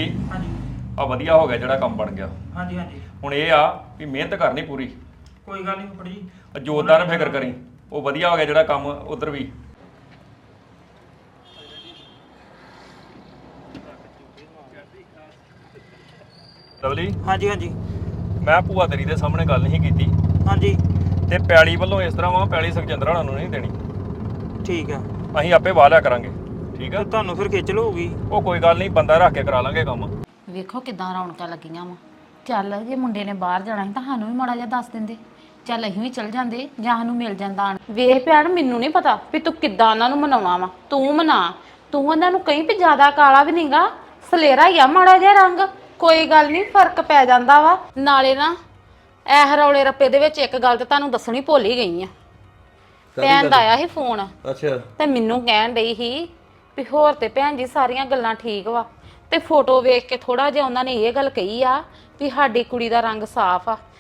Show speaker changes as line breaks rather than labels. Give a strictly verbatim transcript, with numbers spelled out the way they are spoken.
Lovely
ਹਾਂਜੀ
ਆ ਵਧੀਆ ਹੋ ਗਿਆ ਜਿਹੜਾ ਕੰਮ ਬਣ ਗਿਆ।
ਹਾਂਜੀ ਹਾਂਜੀ
ਹੁਣ ਇਹ ਆ ਵੀ ਮਿਹਨਤ ਕਰਨੀ ਪੂਰੀ।
ਕੋਈ ਗੱਲ ਨਹੀਂ ਫੁੱਫੜ ਜੀ।
ਜੋਰਦਾਰ ਨਾ ਫਿਕਰ ਕਰੀ, ਉਹ ਵਧੀਆ ਹੋ ਗਿਆ ਜਿਹੜਾ ਕੰਮ ਉਧਰ ਵੀ। ਲਵਲੀ
ਹਾਂਜੀ ਹਾਂਜੀ
ਮੈਂ ਭੂਆ ਤੇਰੀ ਦੇ ਸਾਹਮਣੇ ਗੱਲ ਨਹੀਂ ਕੀਤੀ
ਹਾਂਜੀ
ਤੇ ਪੈਲੀ ਵੱਲੋਂ ਇਸ ਤਰ੍ਹਾਂ ਵਾ, ਪੈਲੀ ਸੁਖਜਿੰਦਰ ਹੋਣਾ ਨੂੰ ਨਹੀਂ ਦੇਣੀ।
ਠੀਕ ਆ
ਅਸੀਂ ਆਪੇ ਵਾਹ ਲਿਆ ਕਰਾਂਗੇ। ਠੀਕ ਆ,
ਤੇ ਤੁਹਾਨੂੰ ਫਿਰ ਖੇਚਲ ਹੋਊਗੀ।
ਉਹ ਕੋਈ ਗੱਲ ਨਹੀਂ, ਬੰਦਾ ਰੱਖ ਕੇ ਕਰਾ ਲਾਂਗੇ ਕੰਮ।
ਵੇਖੋ ਕਿਦਾਂ ਰੌਣਕਾਂ ਲੱਗੀਆਂ ਵਾ। ਚੱਲ ਜੇ ਮੁੰਡੇ ਨੇ ਬਾਹਰ ਜਾਣਾ ਸੀ ਤਾਂ ਸਾਨੂੰ ਵੀ ਮਾੜਾ ਜਿਹਾ ਦੱਸ ਦਿੰਦੇ, ਚੱਲ ਅਸੀਂ ਵੀ ਚੱਲ ਜਾਂਦੇ ਜਾਂ ਸਾਨੂੰ ਮਿਲ ਜਾਂਦਾ। ਵੇਖ ਭੈਣ ਮੈਨੂੰ ਨਹੀਂ ਪਤਾ ਵੀ ਤੂੰ ਕਿੱਦਾਂ ਉਹਨਾਂ ਨੂੰ ਮਨਾਉਣਾ ਵਾ, ਤੂੰ ਮਨਾ। ਤੂੰ ਉਹਨਾਂ ਨੂੰ ਕਹੀਂ ਵੀ ਜ਼ਿਆਦਾ ਕਾਲਾ ਵੀ ਨਹੀਂਗਾ, ਸਲੇਰਾ ਹੀ ਆ ਮਾੜਾ ਜਿਹਾ ਰੰਗ। ਕੋਈ ਗੱਲ ਨਹੀਂ, ਫਰਕ ਪੈ ਜਾਂਦਾ ਵਾ। ਨਾਲੇ ਨਾ ਇਹ ਰੌਲੇ ਰੱਪੇ ਦੇ ਵਿੱਚ ਇੱਕ ਗੱਲ ਤਾਂ ਤੁਹਾਨੂੰ ਦੱਸਣੀ ਭੁੱਲ ਹੀ ਗਈ ਆ। ਭੈਣ ਦਾ ਆਇਆ ਸੀ ਫੋਨ।
ਅੱਛਾ
ਤੇ ਮੈਨੂੰ ਕਹਿਣ ਡਈ ਸੀ ਵੀ ਹੋਰ ਤੇ ਭੈਣ ਜੀ ਸਾਰੀਆਂ ਗੱਲਾਂ ਠੀਕ ਵਾ, ਤੇ ਫੋਟੋ ਵੇਖ ਕੇ ਥੋੜਾ ਜਿਹਾ ਉਹਨਾਂ ਨੇ ਇਹ ਗੱਲ ਕਹੀ ਆ ਵੀ ਸਾਡੀ ਕੁੜੀ ਦਾ ਰੰਗ ਸਾਫ਼ ਆ,